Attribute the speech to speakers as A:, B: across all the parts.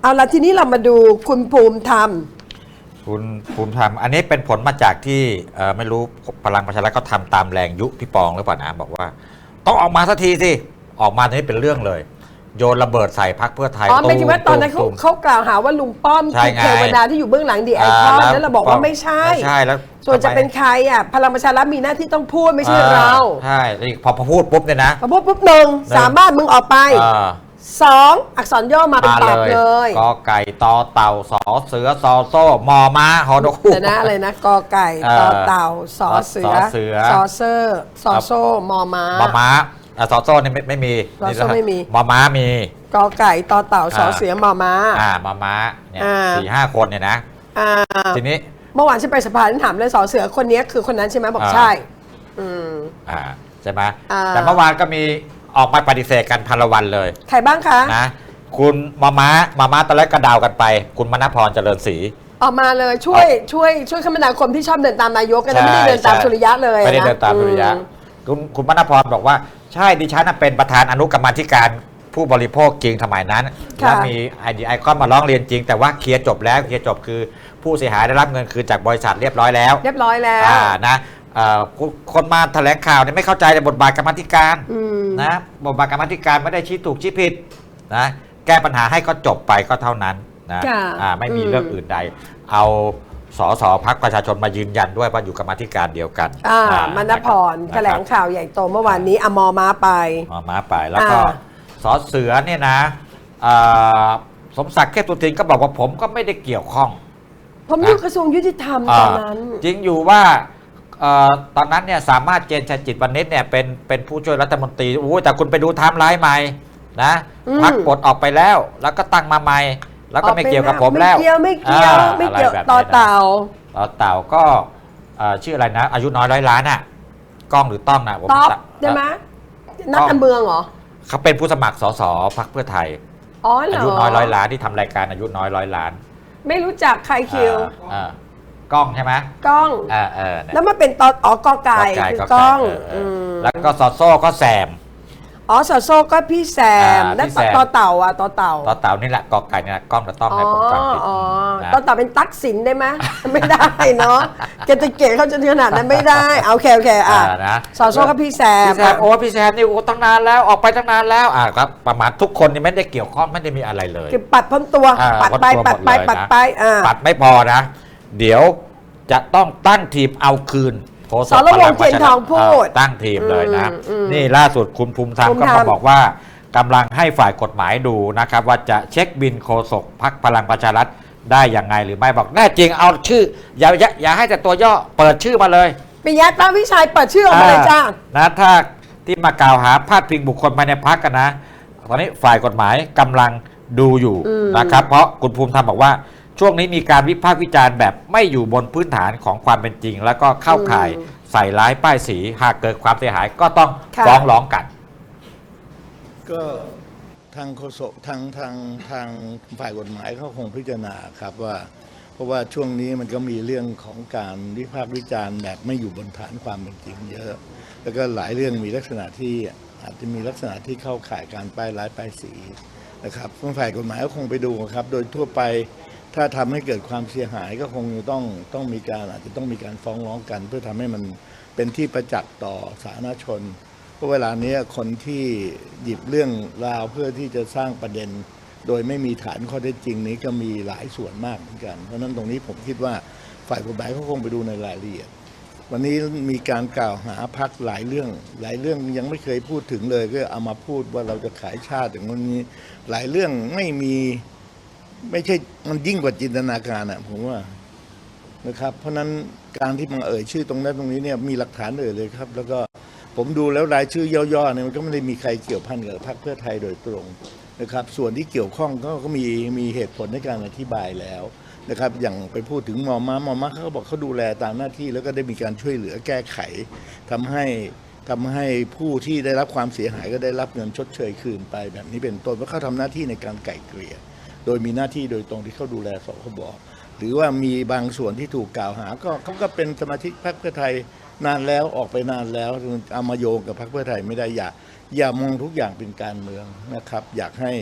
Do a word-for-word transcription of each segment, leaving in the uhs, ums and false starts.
A: เอาละทีนี้เรามาดูคุณภูมิธรรม
B: คุณภูมิธรรมอันนี้เป็นผลมาจากที่ไม่รู้พลังประชารัฐก็ทำตามแรงยุพี่ปองหรือเปล่านะบอกว่าต้องออกมาสักทีสิออกมาตอนนี้เป็นเรื่องเลยโยนระเบิดใส่พรรคเพื่อไทย
A: อ๋อไม่คิดว่าตอนนั้นเขาเขากล่าวหาว่าลุงป้อมคือเทวดาที่อยู่เบื้องหลังดีไอคอนแล้วเราบอกว่าไม่ใช่
B: ไม่ใช่แล้ว
A: ส่วนจะเป็นใครอ่ะพลังประชารัฐมีหน้าที่ต้องพูดไม่ใช่เรา
B: ใช่พอพอพูดปุ๊บเนี่ยนะ
A: พอพูดปุ๊บหนึ่งสามารถมึงออกไปสองอักษรย่อมาเป็นตอบเลย
B: กอไก่ตอเต่าสอเสือซอโซ่มอม้าฮอนกฮูก
A: แต่นะอะไรนะกอไก่ตอเต่าสอเสือซอเซอร์ซอโซ่มอม้าม
B: อม้าซอโซ่นี่ไม่ไม่มี
A: ซอโซ่ไม่มี
B: มอม้ามี
A: กอไก่ตอเต่าสอเสือมอม้า
B: อ่ามอม้าเนี่ยสี่ห้าคนเนี่ยนะทีนี้
A: เมื่อวานฉันไปสภาฉันถามเลยสอเสือคนนี้คือคนนั้นใช่ไหมบอกใช่อืม
B: อ่าใช่ไหมแต่เมื่อวานก็มีออกมาปฏิเสธกันพันละวันเลย
A: ใครบ้างคะ
B: นะคุณมาม้ามาม้าตอนแรกก็ดาวกันไปคุณมณพรเจริญศรี
A: ออกมาเลยช่วยช่วยช่วยคมนาคมที่ชอบเดินตามนายกกันไม่ได้เดินตามสุริยะเลย
B: ไม่ได้เดินตามสุริยะคุณคุณมณพรบอกว่าใช่ดิฉันเป็นประธานอนุกรรมาธิการผู้บริโภคจริงสมัยนั้นแล้วมีไอดีไอคอนมาร้องเรียนจริงแต่ว่าเคลียร์จบแล้วเคลียร์จบคือผู้เสียหายได้รับเงินคืนจากบริษัทเรียบร้อยแล้ว
A: เรียบร้อยแล้ว
B: อ่านะคนมาแถลงข่าวเนี่ยไม่เข้าใจในบทบาทกรรมธิการนะบทบาทกรรมธิการไม่ได้ชี้ถูกชี้ผิดนะแก้ปัญหาให้ก็จบไปก็เท่านั้นนะไม่มีเรื่องอื่นใดเอาสสพรรคประชาชนมายืนยันด้วยว่าอยู่กรรมธิการเดียวกัน
A: มณพรแถลงข่าวใหญ่โตเมื่อวานนี้อมอม้าไป
B: มอม้าไปแล้วก็สเสือเนี่ยนะสมศักดิ์เทพสุทินก็บอกว่าผมก็ไม่ได้เกี่ยวข้อง
A: ผมอยู่กระทรวงยุติธรรมตอนนั้น
B: จริงอยู่ว่าตอนนั้นเนี่ยสามารถเจนชัยจิตวณิชเนี่ยเป็นเป็นผู้ช่วยรัฐมนตรีโอ้แต่คุณไปดูไทม์ไลน์ใหม่นะพรรคปลดออกไปแล้วแล้วก็ตั้งมาใหม่แล้วก็ไม่เกี่ยวกับผมแล้ว
A: ไม่เกี่ยวไม่เกี่ยวไม่เกี่ยวต่อเต่า
B: ต่อเต่าก็ชื่ออะไรนะอายุน้อยร้อยล้านอ่ะก้องหรือต้องนะ
A: ผมต๊อบใช่ไหมนักการเมืองเหรอ
B: เขาเป็นผู้สมัครสสพรรคเพื่อไทยอายุน้อยร้อยล้านที่ทำรายการอายุน้อยร้อยล้าน
A: ไม่รู้จักใครคิว
B: กล้องใช่ไหม
A: กล้องแล้วมาเป็นตออ๋อกอไก่คือกล้อง
B: แล้วก็ซอโซ่ก็แซม
A: อ๋อซอโซ่ก็พี่แซมแล้วต่อเต่าอ่ะต่อเต่า
B: ต่อเต่านี่แหละกอไก่นี่แหละกล้องจะต้องให้ผมฟังผิด
A: ต่อเต่าเป็นตั๊กสินได้ไหมไม่ได้เนาะเกตเกตเขาจะขนาดนั้นไม่ได้โอเคโอเคอ่ะซอโซ่ก็พี่แซม
B: พี่แซมโอ้พี่แซมนี่โอ้ตั้งนานแล้วออกไปตั้งนานแล้วอ่ะครับประมาณทุกคนนี่ไม่ได้เกี่ยวข้องไม่ได้มีอะไรเลย
A: คือปัดพ้นตัวปัดไปปัดไปปัดไปอ่า
B: ปัดไม่พอนะเดี๋ยวจะต้องตั้งทีมเอาคืน
A: สรวงศ์เทียนทองพูด
B: ตั้งทีมเลยนะนี่ล่าสุดคุณภูมิธรรมก็มาบอกว่ากำลังให้ฝ่ายกฎหมายดูนะครับว่าจะเช็คบินโฆษกพรรคพลังประชารัฐได้ยังไงหรือไม่บอกแน่จริงเอาชื่ออย่าอย่าให้แต่ตัวย่อเปิดชื่อมาเลย
A: ปิยะตาวิชัยเปิดชื่อออกมาเลยจ้า
B: นะถ้าที่มากล่าวหาพาดพิงบุคคลภายในพรรคกันนะตอนนี้ฝ่ายกฎหมายกำลังดูอยู่นะครับเพราะคุณภูมิธรรมบอกว่าช่วงนี้มีการวิพากษ์วิจารณ์แบบไม่อยู่บนพื้นฐานของความเป็นจริงแล้วก็เข้าข่ายใส่ร้ายป้ายสีหากเกิดความเสียหายก็ต้องฟ้องร้องกัน
C: ก็ทางโฆษกทางทางทางฝ่ายกฎหมายเขาคงพิจารณาครับว่าเพราะว่าช่วงนี้มันก็มีเรื่องของการวิพากษ์วิจารณ์แบบไม่อยู่บนฐานความเป็นจริงเยอะแล้วก็หลายเรื่องมีลักษณะที่อาจจะมีลักษณะที่เข้าข่ายการป้ายร้ายป้ายสีนะครับฝ่ายกฎหมายก็คงไปดูครับโดยทั่วไปถ้าทำให้เกิดความเสียหายก็คงต้องต้องมีการอาจจะต้องมีการฟ้องร้องกันเพื่อทำให้มันเป็นที่ประจักษ์ต่อสาธารณชนเพราะเวลานี้คนที่หยิบเรื่องราวเพื่อที่จะสร้างประเด็นโดยไม่มีฐานข้อเท็จจริงนี้ก็มีหลายส่วนมากเหมือนกันเพราะนั้นตรงนี้ผมคิดว่าฝ่ายกฎหมายเขาคงไปดูในรายละเอียดวันนี้มีการกล่าวหาพรรคหลายเรื่องหลายเรื่องยังไม่เคยพูดถึงเลยก็เอามาพูดว่าเราจะขายชาติอย่างนี้หลายเรื่องไม่มีไม่ใช่มันยิ่งกว่าจินตนาการอ่ะผมว่านะครับเพราะนั้นการที่มาเอ่ยชื่อตรงนั้นตรงนี้เนี่ยมีหลักฐานเอ่ยเลยครับแล้วก็ผมดูแล้วรายชื่อย่อๆเนี่ยมันก็ไม่ได้มีใครเกี่ยวพันกับพรรคเพื่อไทยโดยตรงนะครับส่วนที่เกี่ยวข้องก็ก็มีมีเหตุผลในการอธิบายแล้วนะครับอย่างไปพูดถึงมอม้ามอม้าเขาบอกเขาดูแลตามหน้าที่แล้วก็ได้มีการช่วยเหลือแก้ไขทำให้ทำให้ผู้ที่ได้รับความเสียหายก็ได้รับเงินชดเชยคืนไปแบบนี้เป็นต้นเพราะเขาทำหน้าที่ในการไกล่เกลี่ยโดยมีหน้าที่โดยตรงที่เขาดูแลสคบหรือว่ามีบางส่วนที่ถูกกล่าวหาก็เขาก็เป็นสมาชิกพรรคเพื่อไทยนานแล้วออกไปนานแล้วเอามาโยงกับพรรคเพื่อไทยไม่ได้อย่าอย่ามองทุกอย่างเป็นการเมืองนะครับอยากให้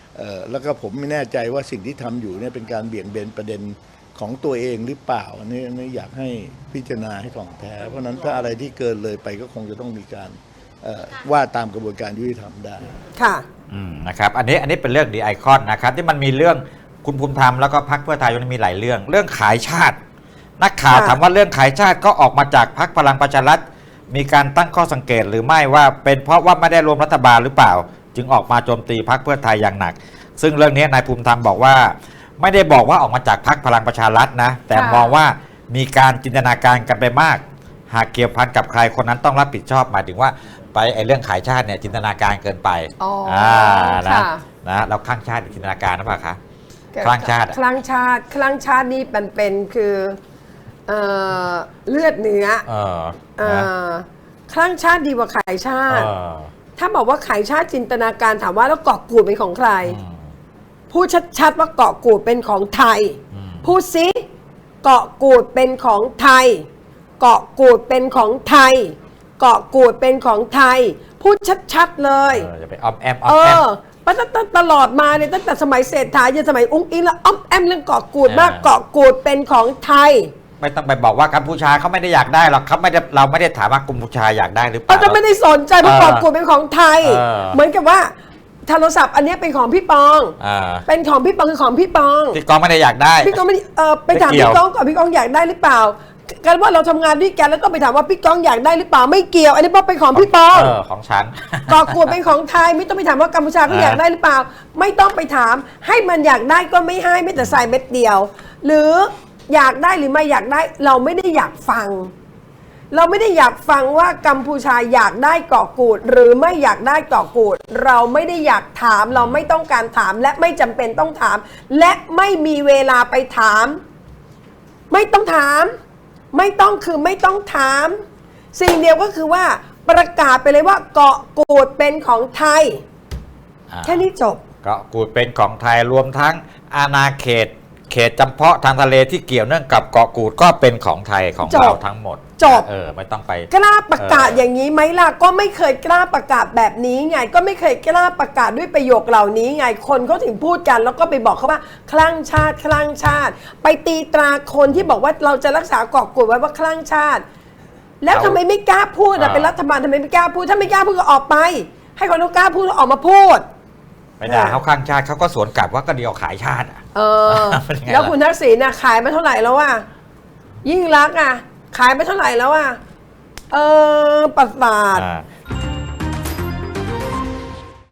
C: เอ่อแล้วก็ผมไม่แน่ใจว่าสิ่งที่ทำอยู่เนี่ยเป็นการเบี่ยงเบนประเด็นของตัวเองหรือเปล่าอันนี้อันนี้อยากให้พิจารณาให้ถ่องแท้เพราะฉะนั้นถ้าอะไรที่เกินเลยไปก็คงจะต้องมีการเอ่อว่าตามกระบวนการยุติธรรมได้
A: ค่ะ
B: อืมนะครับอันนี้อันนี้เป็นเรื่องดีไอคอนนะครับที่มันมีเรื่องคุณภูมิธรรมแล้วก็พรรคเพื่อไทยมันมีหลายเรื่อง เรื่องขายชาติ นักข่าว
A: ค่ะ
B: ถามว่าเรื่องขายชาติก็ออกมาจากพรรคพลังประชารัฐมีการตั้งข้อสังเกตหรือไม่ว่าเป็นเพราะว่าไม่ได้รวมรัฐบาลหรือเปล่า จึงออกมาโจมตีพรรคเพื่อไทยอย่างหนัก ซึ่งเรื่องนี้นายภูมิธรรมบอกว่า ไม่ได้บอกว่าออกมาจากพรรคพลังประชารัฐนะแต่
A: ค่ะ
B: มองว่ามีการจินตนาการกันไปมาก หากเกี่ยวพันกับใครคนนั้นต้องรับผิดชอบหมายถึงว่าไปไอ้เรื่องขายชาติเนี่ยจินตนาการเกินไป
A: อ๋ออ่
B: านะ
A: ค่ะ
B: นะเราข้างชาติจินตนาการนะป่ะคะคลั่งชาติอะ
A: คลั่งชาติคลั่งชาตินี่มันเป็นคือเอ่อเลือดเนื้อ
B: เออ
A: เอ่
B: นะ
A: อคลั่งชาติดีกว่าขายชา
B: เอ
A: ติ
B: อ
A: ถ้าบอกว่าขายชาติจินตนาการถามว่าแล้วเกาะกูดเป็นของใคร
B: อืม
A: พูดชัดๆว่าเกาะกูดเป็นของไทย
B: อืม
A: พูดซิเกาะกูดเป็นของไทย เกาะกูดเป็นของไทย เกาะกูดเป็นของไทย พูดชัดๆเลย
B: เอออย่าไปออมแอมออ
A: เอ
B: มแอม
A: อปัตตตลอดมาเนี่ยตั้งแต่สมัยเศรษฐาจนสมัยอุ้งอิงแล้วอ้อมแอมเรื่องเกาะกูดมาก
B: เออ
A: เกาะกูดเป็นของไทย
B: ไม่ต้องไปบอกว่ากัมพูชาเขาไม่ได้อยากได้หรอกเขาไม่ได้เราไม่ได้ถามว่ากัมพูชาอยากได้หรือเป
A: เรา
B: ล่า
A: จะไม่ได้สนใจเพราะ
B: เออ
A: เกาะกูดเป็นของไทย
B: เออ
A: เหมือนกับว่าโทรศัพท์อันเนี้ยเป็นของพี่ปอง
B: อ่า
A: เป็นของพี่ปองคือของพี่ปอง
B: ที่กองไม่ได้อยากได้
A: พี่ก้องไม่ได้เออไปถาม
B: ไม่เกี่ยว
A: พี่ก้องก่อนพี่ก้องอยากได้หรือเปล่ากันว่าเราทำงานด้วยกันแล้วก็ไปถามว่าพี่ก้องอยากได้หรือเปล่าไม่เกี่ยว อันนี้บอกเป็นของพี่ปอง
B: เออของฉัน
A: เกาะกูดเป็นของไทยไม่ต้องไปถามว่ากัมพูชาเขาอยากได้หรือเปล่า ไม่ต้องไปถาม ให้มันอยากได้ก็ไม่ให้ไม่แต่ใส่เม็ดเดียว หรืออยากได้หรือไม่อยากได้เราไม่ได้อยากฟัง เราไม่ได้อยากฟังว่ากัมพูชาอยากได้เกาะกูดหรือไม่อยากได้เกาะกูดเราไม่ได้อยากถามเราไม่ต้องการถามและไม่จำเป็นต้องถาม และไม่มีเวลาไปถาม ไม่ต้องถาม ไม่ต้องคือไม่ต้องถาม สิ่งเดียวก็คือว่าประกาศไปเลยว่าเกาะกูดเป็นของไทย
B: อ่า
A: แค่นี้จบ
B: เกาะกูดเป็นของไทยรวมทั้งอาณาเขต เขตจำเพาะทางทะเลที่เกี่ยวเนื่องกับเกาะกูดก็เป็นของไทยของ
A: จบ
B: เราทั้งหมด
A: จบ
B: เออไม่ต้องไป
A: กล้าประกาศ
B: เออ
A: อ
B: อ
A: ย่างนี้ไหมล่ะก็ไม่เคยกล้าประกาศแบบนี้ไง ก็ไม่เคยกล้าประกาศด้วยประโยคเหล่านี้ไงคนเขาถึงพูดกัน แล้วก็ไปบอกเขาว่าคลั่งชาติคลั่งชาติ ไปตีตราคนที่บอกว่าเราจะรักษาเกาะกูดไว้ว่าคลั่งชาติ แล้วทำไมไม่กล้าพูดอะเป็นรัฐบาลทำไมไม่กล้าพูดถ้าไม่กล้าพูดก็ออกไป ให้คนเขากล้าพูดแล้วออกมาพูด
B: ไปด่าเขาข้างชาติเขาก็สวนกลับว่าก็เดียวขายชาติอะ
A: เออ
B: เป็นยังไงล่ะ
A: แล้วคุณทักษิณน่ะขายมาเท่าไหร่แล้วอ่ะยิ่งรักษณ์อ่ะขายไปเท่าไหร่แล้วอ่ะเออประสาท
B: อ่า